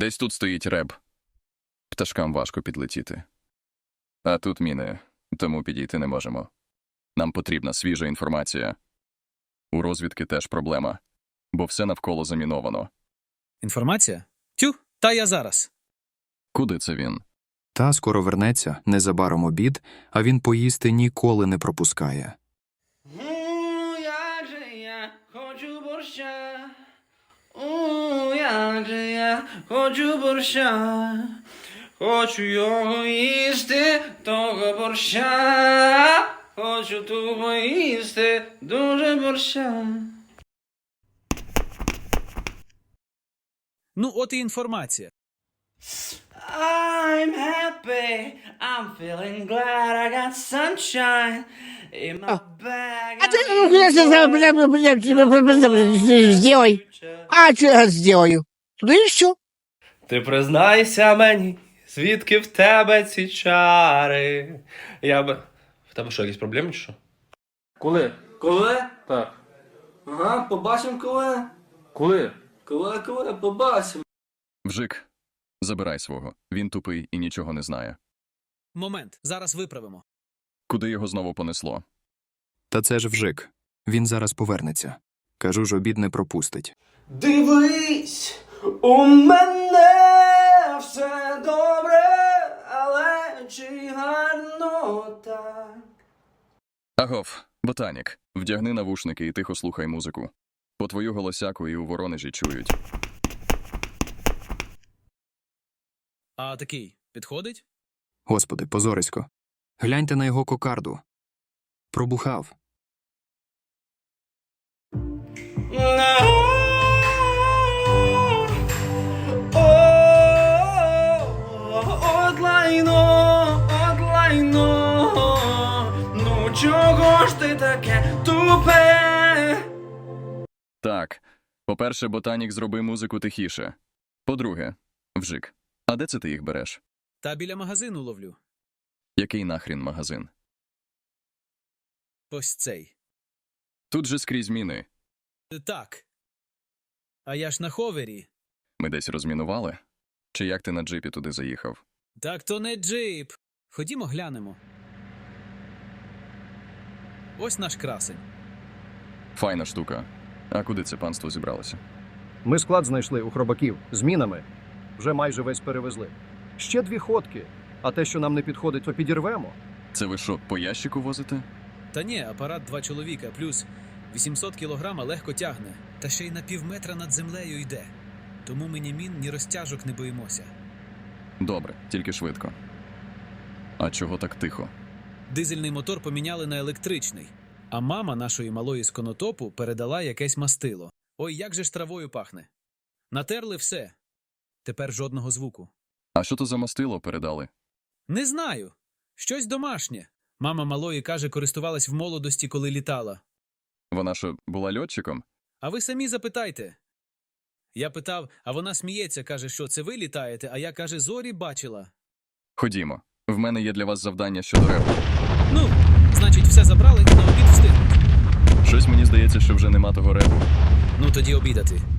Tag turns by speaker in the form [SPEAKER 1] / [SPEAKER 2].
[SPEAKER 1] Десь тут стоїть реб. Пташкам важко підлетіти. А тут міни, тому підійти не можемо. Нам потрібна свіжа інформація. У розвідки теж проблема, бо все навколо заміновано.
[SPEAKER 2] Інформація? Тю, та я зараз.
[SPEAKER 1] Куди це він?
[SPEAKER 3] Та скоро вернеться, незабаром обід, а він поїсти ніколи не пропускає.
[SPEAKER 4] Як же я хочу борща. Як же я хочу борща. Хочу його їсти, того борща. Хочу тупо їсти, дуже борща.
[SPEAKER 2] Ну, от і інформація.
[SPEAKER 4] I'm happy, I'm feeling glad I got sunshine in my bag.
[SPEAKER 5] А ты сделай. А что я сделаю? Ну и все.
[SPEAKER 4] Ти признайся мені, звідки в тебе ці чари? В тебе що, якісь проблеми чи що?
[SPEAKER 6] Коли?
[SPEAKER 4] Коли?
[SPEAKER 6] Так.
[SPEAKER 4] Ага, побачимо коли.
[SPEAKER 6] Коли?
[SPEAKER 4] Коли, побачимо.
[SPEAKER 1] Вжик, забирай свого. Він тупий і нічого не знає.
[SPEAKER 2] Момент, зараз виправимо.
[SPEAKER 1] Куди його знову понесло?
[SPEAKER 3] Та це ж Вжик. Він зараз повернеться. Кажу ж, обід не пропустить.
[SPEAKER 4] Дивись, у мене все добре, але чи гарно так?
[SPEAKER 1] Агов, ботанік, вдягни навушники і тихо слухай музику. По твою голосяку і у Воронежі чують.
[SPEAKER 2] А такий підходить?
[SPEAKER 3] Господи, позорисько. Гляньте на його кокарду. Пробухав.
[SPEAKER 4] От лайно, ну чого ж ти таке тупе?
[SPEAKER 1] Так, по-перше, ботанік, зроби музику тихіше. По-друге, Вжик, а де це ти їх береш?
[SPEAKER 2] Та біля магазину ловлю.
[SPEAKER 1] Який нахрін магазин?
[SPEAKER 2] Ось цей.
[SPEAKER 1] Тут же скрізь міни.
[SPEAKER 2] Так. А я ж на ховері.
[SPEAKER 1] Ми десь розмінували? Чи як ти на джипі туди заїхав?
[SPEAKER 2] Так то не джип. Ходімо глянемо. Ось наш красень.
[SPEAKER 1] Файна штука. А куди це панство зібралося?
[SPEAKER 6] Ми склад знайшли у хробаків з мінами. Вже майже весь перевезли. Ще 2 ходки. А те, що нам не підходить, то підірвемо.
[SPEAKER 1] Це ви що, по ящику возите?
[SPEAKER 2] Та ні, апарат 2 чоловіка, плюс 800 кілограма легко тягне. Та ще й на півметра над землею йде. Тому ми ні мін, ні розтяжок не боїмося.
[SPEAKER 1] Добре, тільки швидко. А чого так тихо?
[SPEAKER 2] Дизельний мотор поміняли на електричний. А мама нашої малої з конотопу передала якесь мастило. Ой, як же ж травою пахне. Натерли все. Тепер жодного звуку.
[SPEAKER 1] А що то за мастило передали?
[SPEAKER 2] Не знаю. Щось домашнє. Мама малої, каже, користувалась в молодості, коли літала.
[SPEAKER 1] Вона що, була льотчиком?
[SPEAKER 2] А ви самі запитайте. Я питав, а вона сміється, каже, що це ви літаєте, а я, каже, зорі бачила.
[SPEAKER 1] Ходімо. В мене є для вас завдання щодо репу.
[SPEAKER 2] Ну, значить, все забрали і на обід встигнуть.
[SPEAKER 1] Щось мені здається, що вже нема того репу.
[SPEAKER 2] Ну, тоді обідати.